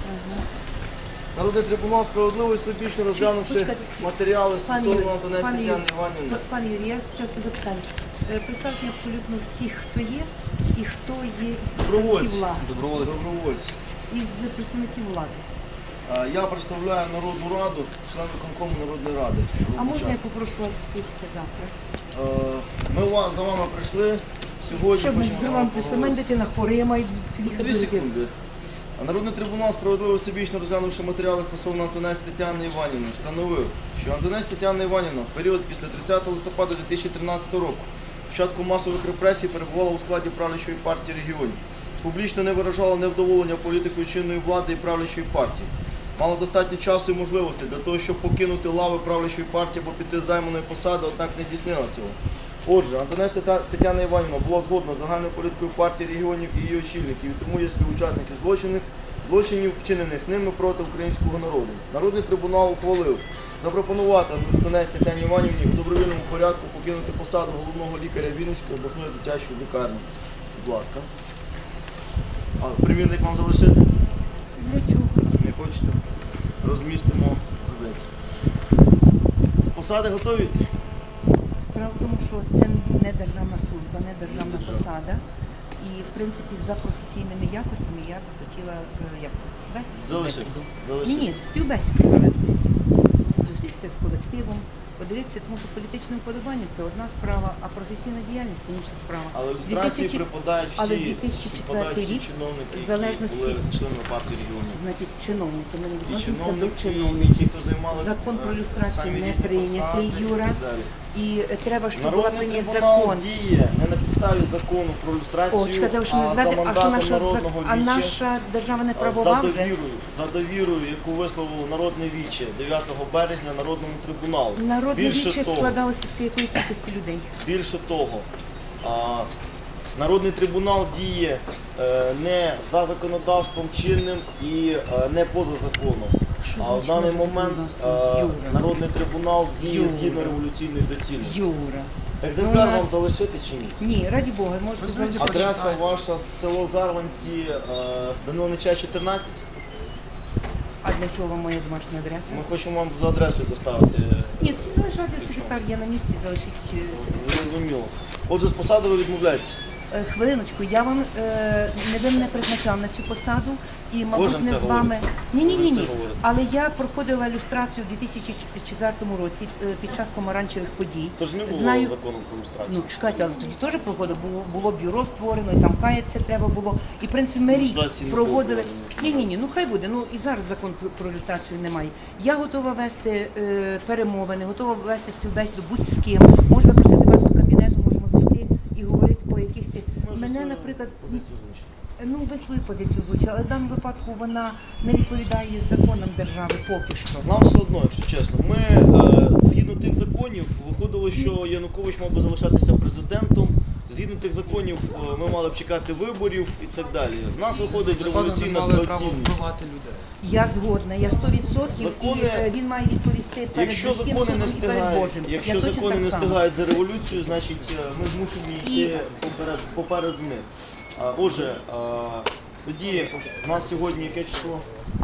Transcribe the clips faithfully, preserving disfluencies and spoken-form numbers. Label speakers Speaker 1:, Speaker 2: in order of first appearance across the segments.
Speaker 1: Народний трибунал справедливо і всебічно розглянувши матеріали стосовно Антонець Тетяни Іванівни.
Speaker 2: Пане Юрій, я спочатку запитання. Представте абсолютно всіх, хто є і хто є із представників влади.
Speaker 1: Добровольці.
Speaker 2: Із представників влади.
Speaker 1: Я представляю Народну Раду, член виконкому Народної Ради.
Speaker 2: А можна я попрошу вас зустрітися завтра?
Speaker 1: Ми за вами прийшли сьогодні.
Speaker 2: Що значить за вами прийшли? У мене дитина хвора, я маю їхати.
Speaker 1: Дві секунди. Народний трибунал справедливо всебічно розглянувши матеріали стосовно Антонець Тетяни Іванівни, встановив, що Антонець Тетяна Іванівна в період після тридцятого листопада дві тисячі тринадцятого року, початку масових репресій, перебувала у складі правлячої партії регіонів, публічно не виражала невдоволення політикою чинної влади і правлячої партії, мала достатньо часу і можливостей для того, щоб покинути лави правлячої партії або піти з займаної посади, однак не здійснила цього. Отже, Антонець Тетяна Іванівна була згодна з загальною політикою партії регіонів і її очільників, і тому є співучасники злочинів, злочинів, вчинених ними проти українського народу. Народний трибунал ухвалив запропонувати Антонець Тетяні Іванівні у добровільному порядку покинути посаду головного лікаря Вінницької обласної дитячої лікарні. Будь ласка. А примірник вам залишити?
Speaker 2: Для чого?
Speaker 1: Не хочете? Розмістимо в газеті. З посади готові йти?
Speaker 2: Справа в тому, що це не державна служба, не державна посада. І, в принципі, за професійними якостями я б хотіла, як це, вести співбесіду. Ні, ні, співбесіду провести. Зустрітися з колективом, подивитися, тому що політичне вподобання – це одна справа, а професійна діяльність – це інша справа.
Speaker 1: Але в ілюстрації припадають всі,
Speaker 2: Але дві тисячі четвертий рік,
Speaker 1: чиновники,
Speaker 2: в залежності,
Speaker 1: які були членами партії регіонів.
Speaker 2: значить, чиновники, ми не
Speaker 1: І
Speaker 2: відносимося до
Speaker 1: чиновники, і
Speaker 2: чиновників.
Speaker 1: ті, хто займали
Speaker 2: Закон про люстрацію
Speaker 1: самі
Speaker 2: не
Speaker 1: різні
Speaker 2: прийнятий,
Speaker 1: посади
Speaker 2: Юра.
Speaker 1: і так далі.
Speaker 2: І треба, щоб була
Speaker 1: Народний
Speaker 2: прийнятий
Speaker 1: трибунал
Speaker 2: закон.
Speaker 1: діє не на підставі закону про люстрацію,
Speaker 2: О, сказав, що
Speaker 1: а
Speaker 2: не
Speaker 1: за
Speaker 2: звати, а що
Speaker 1: мандатом
Speaker 2: наша,
Speaker 1: народного
Speaker 2: а
Speaker 1: віче,
Speaker 2: наша держава не
Speaker 1: за
Speaker 2: правова вже?
Speaker 1: довірою, за довірою, яку висловило Народне віче дев'ятого березня Народному трибуналу.
Speaker 2: Народне
Speaker 1: Більше
Speaker 2: віче
Speaker 1: того,
Speaker 2: складалося з якої кількості людей?
Speaker 1: Більше того, а, Народний трибунал діє е, не за законодавством чинним і е, не поза законом.
Speaker 2: Що
Speaker 1: А в
Speaker 2: значить
Speaker 1: даний
Speaker 2: не за
Speaker 1: момент
Speaker 2: законодавством?
Speaker 1: е, Народний трибунал діє
Speaker 2: Юра.
Speaker 1: згідно революційної доцільності.
Speaker 2: Юра.
Speaker 1: Екземпляр
Speaker 2: Ну, у нас-
Speaker 1: вам залишити чи ні?
Speaker 2: Ні, раді Бога, можете залишити.
Speaker 1: Адреса ваша село Зарванці, е, Данило Нечай, чотирнадцять.
Speaker 2: А для чого моя домашня адреса?
Speaker 1: Ми хочемо вам за адресою доставити.
Speaker 2: Ні, тут залишати секретар, я на місці, залишить е, секретар.
Speaker 1: Зрозуміло. Отже, з посади ви відмовляєтесь.
Speaker 2: Е, Хвилиночку, я вам е, не ви мене призначав на цю посаду і, мабуть,
Speaker 1: Кожен
Speaker 2: не
Speaker 1: це
Speaker 2: з вами. Ні, ні, ні,
Speaker 1: Кожен
Speaker 2: ні.
Speaker 1: це говорить.
Speaker 2: Але я проходила люстрацію у дві тисячі четвертому році е, під час помаранчевих подій.
Speaker 1: Тож не було
Speaker 2: Знаю,
Speaker 1: закону про люстрацію.
Speaker 2: ну чекайте, але тоді теж проходив, було, було бюро створено, і там каятися треба було. І в принципі ми рік
Speaker 1: Люстрації не
Speaker 2: проводили.
Speaker 1: було.
Speaker 2: Ні, ні, ні, ну хай буде. Ну і зараз закон про, про люстрацію немає. Я готова вести е, перемовини, готова вести співбесіду будь з ким. Можу запросити вас до кабінету, можемо зайти і говорити по якихось. Мене, наприклад,
Speaker 1: Позицію озвучити.
Speaker 2: ну ви свою позицію озвучили, але в даному випадку вона не відповідає законам держави поки що.
Speaker 1: Нам все одно, якщо чесно. Ми, е, згідно тих законів, виходило, що Янукович мав би залишатися президентом. Згідно тих законів, е, ми мали б чекати виборів і так далі. В нас виходить революційна
Speaker 3: мали право
Speaker 1: доцільність.
Speaker 3: вбивати людей.
Speaker 2: Я згодна, я сто відсотків,
Speaker 1: Закони-
Speaker 2: і е, він має відповісти перед
Speaker 1: Якщо
Speaker 2: людським
Speaker 1: закони не
Speaker 2: судом і перед
Speaker 1: встигають,
Speaker 2: Божим. Я
Speaker 1: якщо
Speaker 2: точно
Speaker 1: закони
Speaker 2: так
Speaker 1: не
Speaker 2: само.
Speaker 1: встигають за революцію, значить е, ми змушені
Speaker 2: І-
Speaker 1: йти поперед, поперед них. А, Отже, а, тоді у нас сьогодні яке число?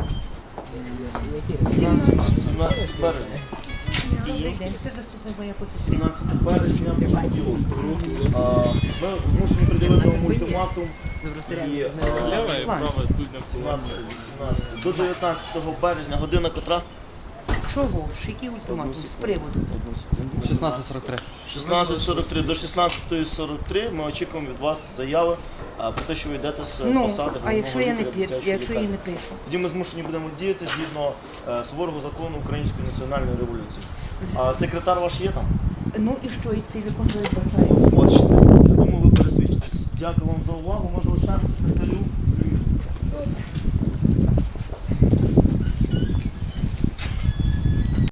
Speaker 1: сімнадцяте березня.
Speaker 2: Добрий день, це заступник моя посестрі.
Speaker 1: сімнадцяте березня понеділок. А, Ми змушені приділити вам ультиматум і а, сімнадцяте, вісімнадцяте, до дев'ятнадцятого березня, година котра?
Speaker 2: Чого ж? Який ультиматум? З приводу?
Speaker 1: Одну секунду.
Speaker 3: шістнадцять сорок три.
Speaker 1: шістнадцять сорок три до шістнадцятої сорок три ми очікуємо від вас заяви а, про те, що ви йдете з
Speaker 2: Ну,
Speaker 1: посади
Speaker 2: а якщо я не
Speaker 1: головного лікаря
Speaker 2: пір,
Speaker 1: дитячої
Speaker 2: якщо я
Speaker 1: лікарні.
Speaker 2: не пишу?
Speaker 1: Тоді ми змушені будемо діяти згідно е, суворого закону Української національної революції. А секретар ваш є там?
Speaker 2: Ну і що, і цей закон передбачає?
Speaker 1: Бачите, я думаю, ви пересвідчитесь. Дякую вам за увагу. Може, лише секретарю.